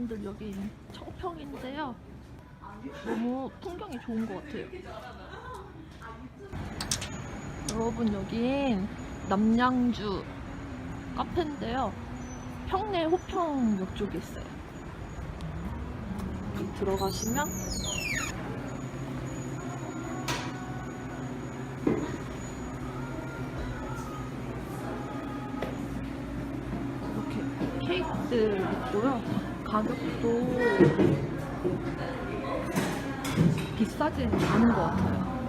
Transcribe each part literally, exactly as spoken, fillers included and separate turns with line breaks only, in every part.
여러분들 여기 청평인데요. 너무 풍경이 좋은 것 같아요. 여러분 여긴 남양주 카페인데요. 평내 호평역 쪽에 있어요. 여기 들어가시면 이렇게 케이크들 있고요. 가격도 비싸진 않은 것 같아요.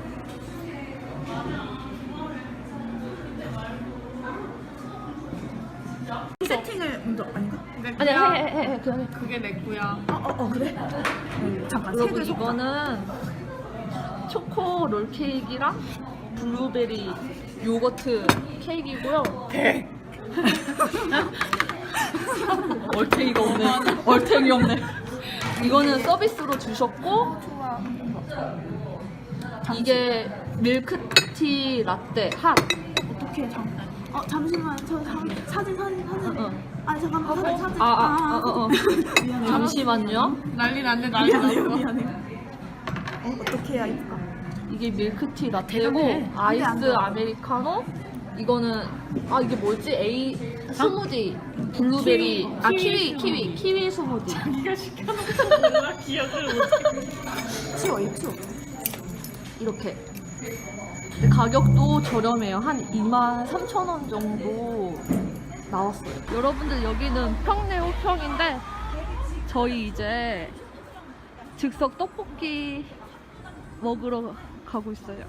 세팅을 먼저 아닌가?
아니 해해해 그냥 해.
그게 내 거야. 어어 어, 그래? 음, 잠깐
여러분
색을
이거는 초코 롤 케이크랑 블루베리 요거트 케이크이고요. 얼탱이가 없네. 얼탱이 없네. 이거는 서비스로 주셨고 이게 밀크티 라떼 핫.
어떻게 잠깐? 어 잠시만 저 잠, 사진 사진 사진.
응.
아니 잠깐만 사진 사진.
아아 어, 어.
미안해.
잠시만요.
난리 났네 난리 났어. 미안해. 어 어떻게 해야 이쁠까?
이게 밀크티 라떼고
대단해. 안 돼, 안
아이스
돼.
아메리카노. 이거는 아 이게 뭐지? 에이 스무디 블루베리
키위,
아
키위
키위 키위 키위 스무디.
네가 시켜놓고 몰라 기억을 못해. 치워 이 치워.
이렇게. 근데 가격도 저렴해요. 한 이만 삼천 원 정도 나왔어요. 여러분들 여기는 평내 호평인데 저희 이제 즉석 떡볶이 먹으러 가고 있어요.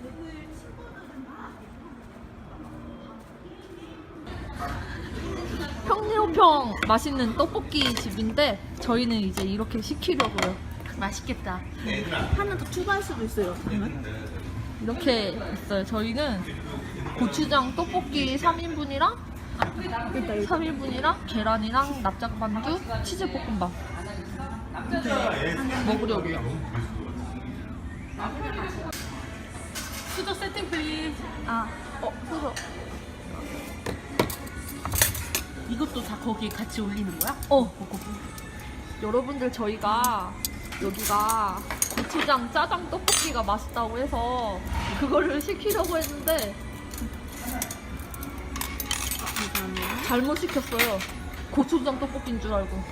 평내 호평 맛있는 떡볶이 집인데 저희는 이제 이렇게 시키려고요.
맛있겠다. 하나 더 추가할 수도 있어요. 그러면?
이렇게 있어요. 저희는 고추장 떡볶이 삼 인분이랑 삼 인분이랑 계란이랑 납작반죽, 치즈볶음밥 먹으려고요.
수저 세팅 플리즈.
아, 어, 그래서
이것도 다 거기에 같이 올리는 거야?
어, 여러분들 저희가 여기가 고추장 짜장 떡볶이가 맛있다고 해서 그거를 시키려고 했는데 잘못 시켰어요. 고추장 떡볶이인 줄 알고.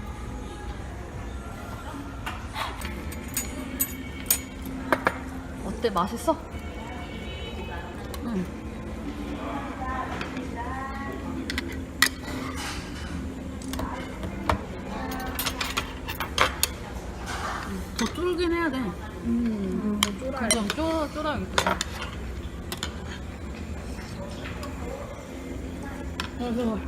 어때? 맛있어?
응. 더 쫄긴 해야 돼. 음, 쫄아야 좀 쫄, 쫄아야겠다. 그래서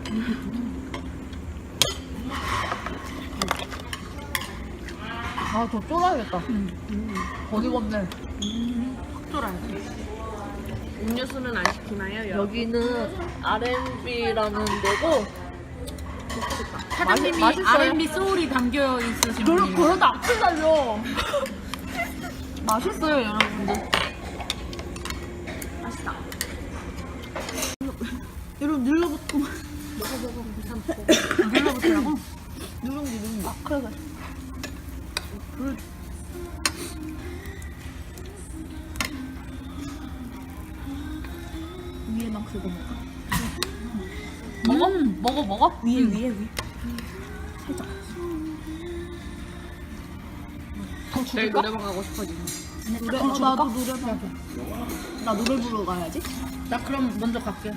아, 더 쫄아야겠다. 어디 없네.
확 쫄아야 돼. 음료수는 안 시키나요?
여기는 알앤비라는 데고
사장님이
맛있- 맛있어요?
알앤비 소울이 담겨 있으신
그러,
분이에요.
그러다 악플 달려. 맛있어요, 여러분들.
맛있다. 여러분 눌러붙고 먹어 먹어 먹어. 눌러붙으라고? 누룽지 누룽지.
아, 그래, 그래.
불.
위에만 긁어 먹어. 먹어? 먹어, 먹어?
위에 위에 위에. 살짝.
더
내일
줄까?
노래방 가고 싶어지네.
노래,
어,
더 줄까?
나도 노래방. 나 노래 부르러 가야지. 나 그럼 먼저 갈게.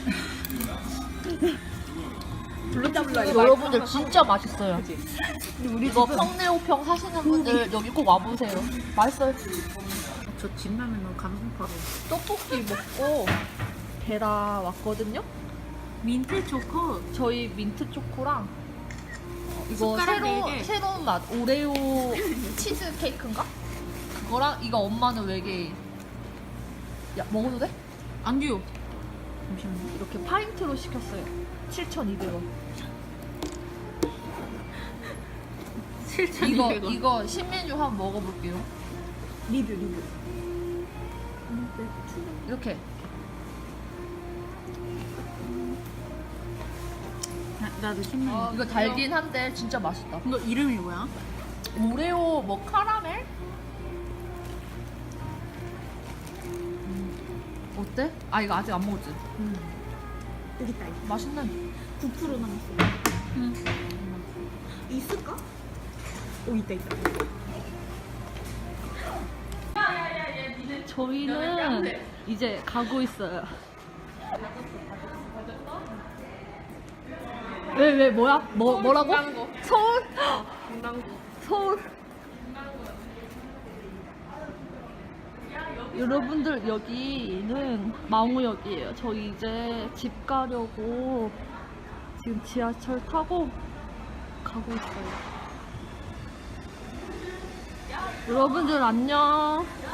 여러분들 진짜 맛있어요.
우리
이거 평내호평 하시는 분들 여기 꼭 와보세요. 맛있어요.
저 진라면 너무 감성파로.
떡볶이 먹고 베라 왔거든요.
민트 초코.
저희 민트 초코랑 이거
숟가락
새로,
네 개.
새로운 맛 오레오 치즈 케이크인가? 그거랑 이거 엄마는 외계인. 야, 먹어도 돼?
안 돼요. 잠시만요.
이렇게 파인트로 시켰어요. 칠천이백 원. 이거
칠천이백 원.
이거 신메뉴 한번 먹어볼게요.
리뷰 리뷰.
이렇게
아, 나도 신메뉴.
이거 달긴 한데 진짜 맛있다.
이거 이름이 뭐야?
오레오 뭐 카라멜? 어때? 아 이거 아직 안 먹었지?
음. 여기 있다. 있다.
맛있네.
구 퍼센트 남았어.
응.
있을까? 오 있다 있다.
저희는 이제 가고 있어요. 왜, 왜, 뭐야? 뭐, 뭐라고? 서울? 서울. 여러분들, 여기는 망우역이에요. 저희 이제 집 가려고 지금 지하철 타고 가고 있어요. 여러분들, 안녕.